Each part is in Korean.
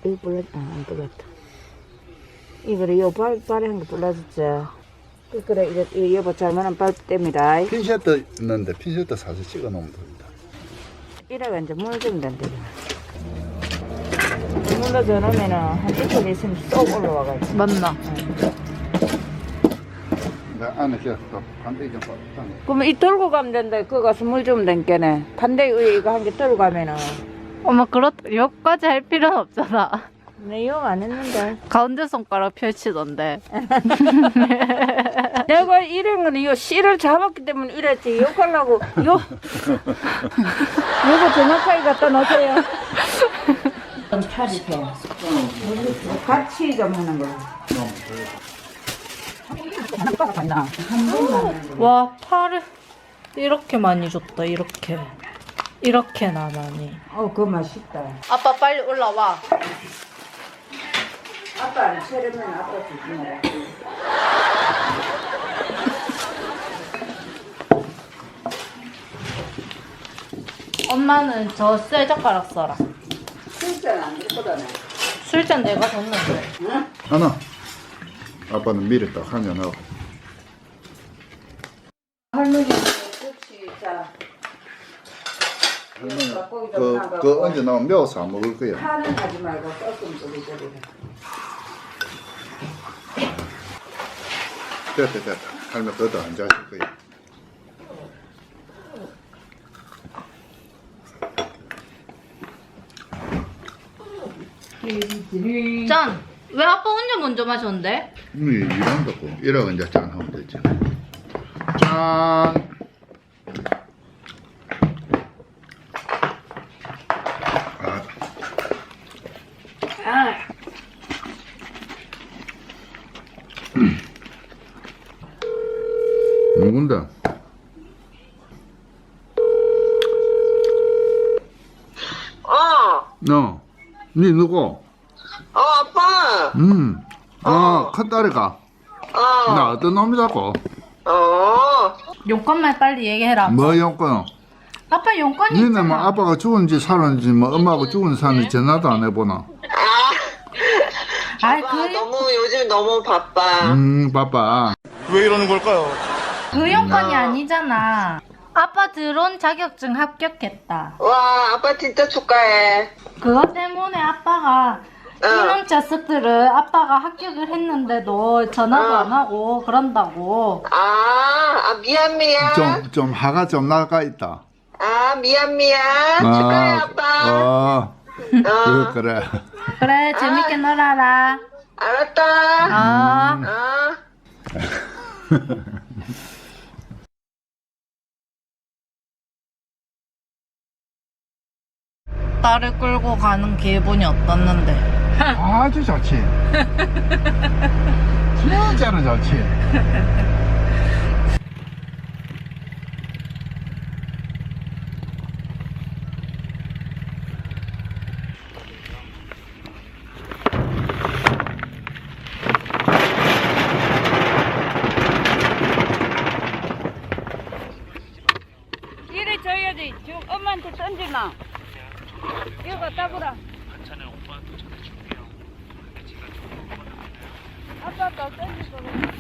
이거 불렀, 안 불렀다. 이거를 발에 한 거 불러줬지. 그래, 이거 여보 잘만한 발땜이다. 핀셋도 있는데 핀셋도 사서 찍어 놓으면 됩니다. 이래가 이제 물 좀 된대. 물로 저으면은 한 이틀 있으면 쏙 올라와가지고. 맞나? 나 안에 그냥 또 반대 좀 봐. 그러면 이 들고 가면 된다. 그거 가서 물 좀 된게네. 반대 위에 이거 한 개 들고 가면은. 엄마 여기까지 할 필요는 없잖아. 내 용 안 했는데. 가운데 손가락 펼치던데. 내가 이런 거는 요 씨를 잡았기 때문에 이랬지. 욕하려고 욕. 이거 정확하게 갖다 놓으세요. 좀 차리세요. 같이 좀 하는 거. 와, 팔을 이렇게 많이 줬다. 이렇게나 많이. 그거 맛있다. 아빠 빨리 올라와. 아빠는 세려면 아빠 주지 마라. 엄마는 저 쇠젓가락 써라. 진짜 안 그렇거든. 술잔 내가 줬는데. 응? 하나. 아빠는 미리 딱 하면 하고. 할머니는 혹시 자. 그 언제 나오면 매워서 안 먹을 거야. 파는 하지 말고 조금 뿌리뿌리. 됐다. 할머니 그것도 안 자실 거야. 짠! 왜 아빠 혼자 먼저 마셨는데? 일한다고. 이러고 이제 짠 하면 되지. 짠. 누군데? 너, 니 누구? 아빠. 큰딸이가. 나 어떤 놈이라고? 용건만 빨리 얘기해라. 뭐 용건? 아빠 용건이 니네 있잖아. 뭐 아빠가 죽은지 살았는지 뭐 엄마하고 죽은 사람이 전화도 안 해보나? 아이, 아빠 너무 요즘 너무 바빠. 바빠. 왜 이러는 걸까요? 그 용건이 아니잖아. 아빠 드론 자격증 합격했다. 와, 아빠 진짜 축하해. 그것 때문에 아빠가 이놈 자식들을 아빠가 합격을 했는데도 전화도 안 하고 그런다고. 미안. 좀 화가 좀 나가 있다. 미안. 축하해, 아빠. 그래. 그래, 재밌게 놀아라. 알았다. 딸을 끌고 가는 기분이 어떻는데? 아주 좋지. 진짜로 좋지. 이래 줘야지. 지금 엄마한테 던지나. 이거 갖다 보라. 반찬을 오빠한테 전해줄게요. 근데 제가 조금 먹었는데요. 아빠가 던질 거고.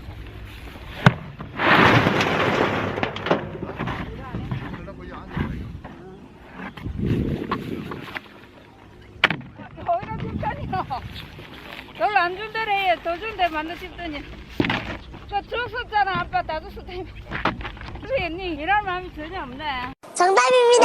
거기다 줄다니요. 별로 안 준대래. 더 준대 만나 싶더니. 그 줬었잖아. 아빠 다 줬었다니. 그래, 니 일할 마음이 전혀 없네. 정답입니다.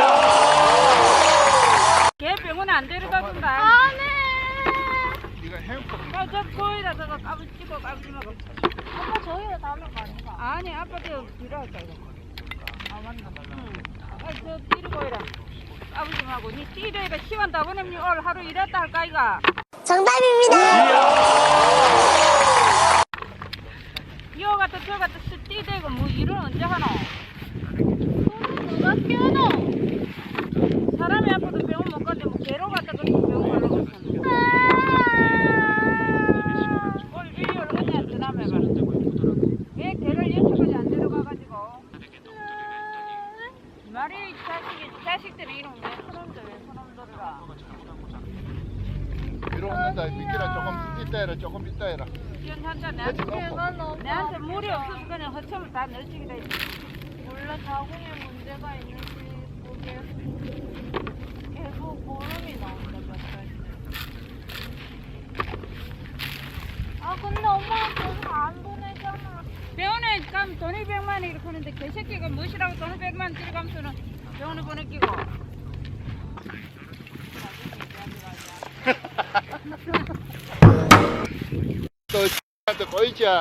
걔 병원에 안 데려다 준다. 안 해. 이거 행복. 저 거기다 저거 까부치고 까부치고. 아빠 저희가 달라고 아닌가? 아니, 아빠 저 필요할까 이거. 맞나? 응. 저 띠르고 이라. 까부치고 니 띠르가 시간 다 보내면 오늘 하루 일했다 할까 이가. 정답입니다. 이거 갖다 저 갖다 띠대고 뭐 일을 언제 하노? 누가 깨우노? 사람이 아파도 병원 못 가는데 뭐 개로 갖다 그 병원 가려고 했었는데. 오늘 일요일 언니한테 전화해봐. 왜 개를 여태까지 안 데려가가지고. 말이 자식들은 이런 왜 그놈들이라. 위로 온다. 미끼라 조금 이따 해라. 조금 이따 해라. 한자 그렇지, 내한테 놓고. 내한테 물이 없어서 그냥 허첨을 다 넣어주기다. 원래 자궁에 문제가 있는지 그게 계속 보름이 나온다 몇 달째. 아 근데 엄마가 계속 안 보내잖아. 병원에 가면 돈이 100만 원 이렇게 하는데 개새끼가 무엇이라고 돈을 100만 원 들어가면서는 병원에 보내기고. 또 한테 꼬이자.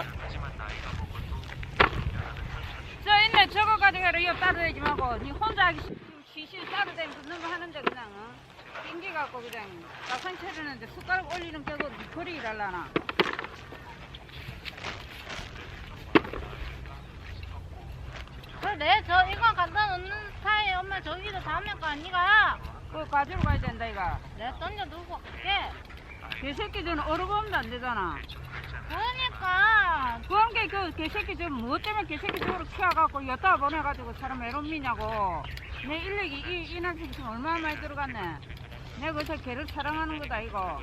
저 있네 저거 가져가라. 이거 따로대지 말고 니 혼자 하기 쉬쉬 따로대면서 너무 하는데 그냥 낑기갖고 그냥 막상 차리는데 숟가락 올리는 게고 거리 일하려나. 그래 저 이거 갖다 놓는 스타일 엄마 저기도 다음에 거 아니가? 그거 가지러 가야 된다 이거. 내가 던져두고 갈게. 개새끼들은 얼어보면 안 되잖아. 그러니까 그런 게 그 개새끼 좀 무엇 때문에 개새끼 쪽으로 키워갖고 여기다 보내가지고 사람 외롭미냐고. 내 인력이 이 난생 지금 얼마나 많이 들어갔네. 내가 그래서 개를 사랑하는 거다 이거.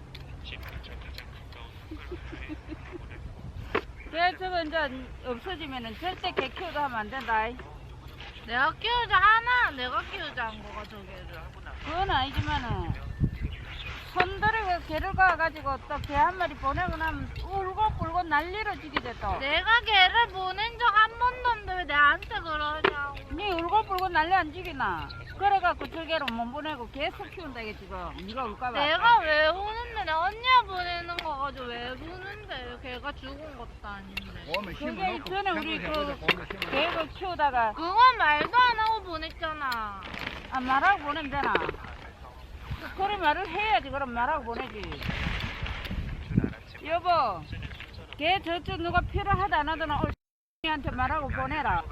개 저거 이제 없어지면은 절대 개 키우다 하면 안 된다. 내가 키우자 하나 내가 키우자 한 거가 저게를. 그건 아니지만은 손들이고 개를 가가지고 또 개 한 마리 보내고 나면 울고 난리로 지기대 또. 내가 걔를 보낸 적 한 번도 없는데 왜 내한테 그러냐고. 니 울고 난리 안 지기나. 그래갖고 저 개를 못 보내고 계속 키운다 이게 지금. 니가 울까봐. 내가 왜 우는데 내 언니가 보내는 거 가지고 왜 우는데 걔가 죽은 것도 아닌데. 그게 전에 우리 그 개를 키우다가 그건 말도 안 하고 보냈잖아. 아 말하고 보내면 되나? 그래 말을 해야지. 그럼 말하고 보내지. 여보 개 저쪽 누가 필요하다 안 하더나 올한테 말하고 보내라.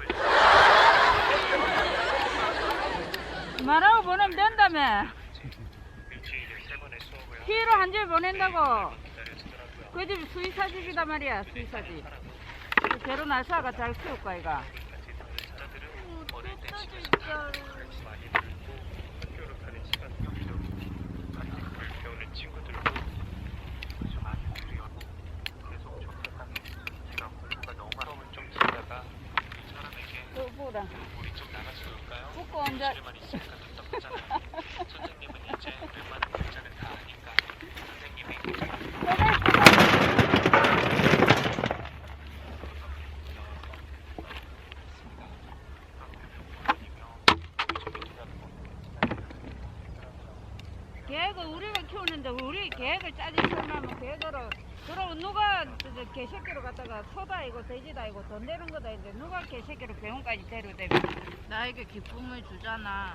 말하고 보내면 된다며. 필요한 줄 보낸다고. 그 집 수의사집이다 말이야. 수의사집. 개로 날사가 잘 키울 거야 이가. 어쨌든 진짜로. 보라. 붙고 앉아. 계획을 우리가 키우는데 우리 계획을 짜지 설마면 계획으로 그럼 누가 개새끼로 갖다가 소도 아니고 돼지도 아니고 돈 내는 거다 했는데 누가 개새끼로 병원까지 데려대면 나에게 기쁨을 주잖아.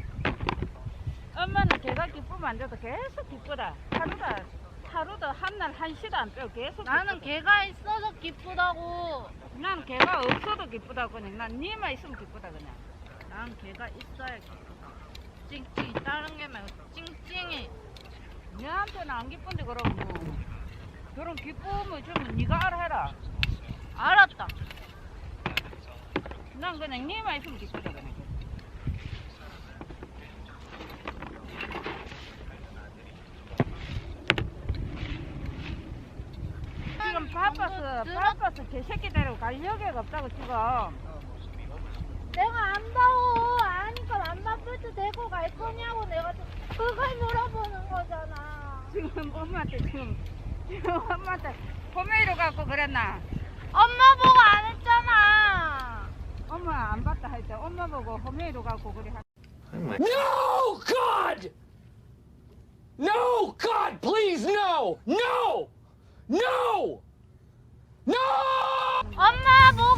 엄마는 걔가 기쁘면 안 돼도 계속 기쁘다. 하루도 한날 한시도 안 빼고 계속 나는 기쁘다. 걔가 있어서 기쁘다고. 난 걔가 없어도 기쁘다 그냥. 난 니만 있으면 기쁘다 그냥. 난 걔가 있어야 기쁘다. 찡찡이 다른 게 말고 찡찡이. 너한테는 안 기쁜데 그럼 뭐 그런 기쁨을 주면 네가 알아해라. 알았다. 난 그냥 니만 있으면 기쁘다 그냥. 지금 바빠서 개새끼 데리고 갈 여기가 없다고 지금. 내가 안다고 아니까 안 바쁠 때 데리고 갈 거냐고 내가 그걸 물어보는 거잖아. 지금 엄마한테 지금 엄마한테 포메이로 갖고 그랬나? 엄마 보고 안 했잖아. 엄마 안 봤다 할 때 엄마 보고 포메이로 갖고 그래. No, God! No, God, please, no! No! No! No! 엄마 보고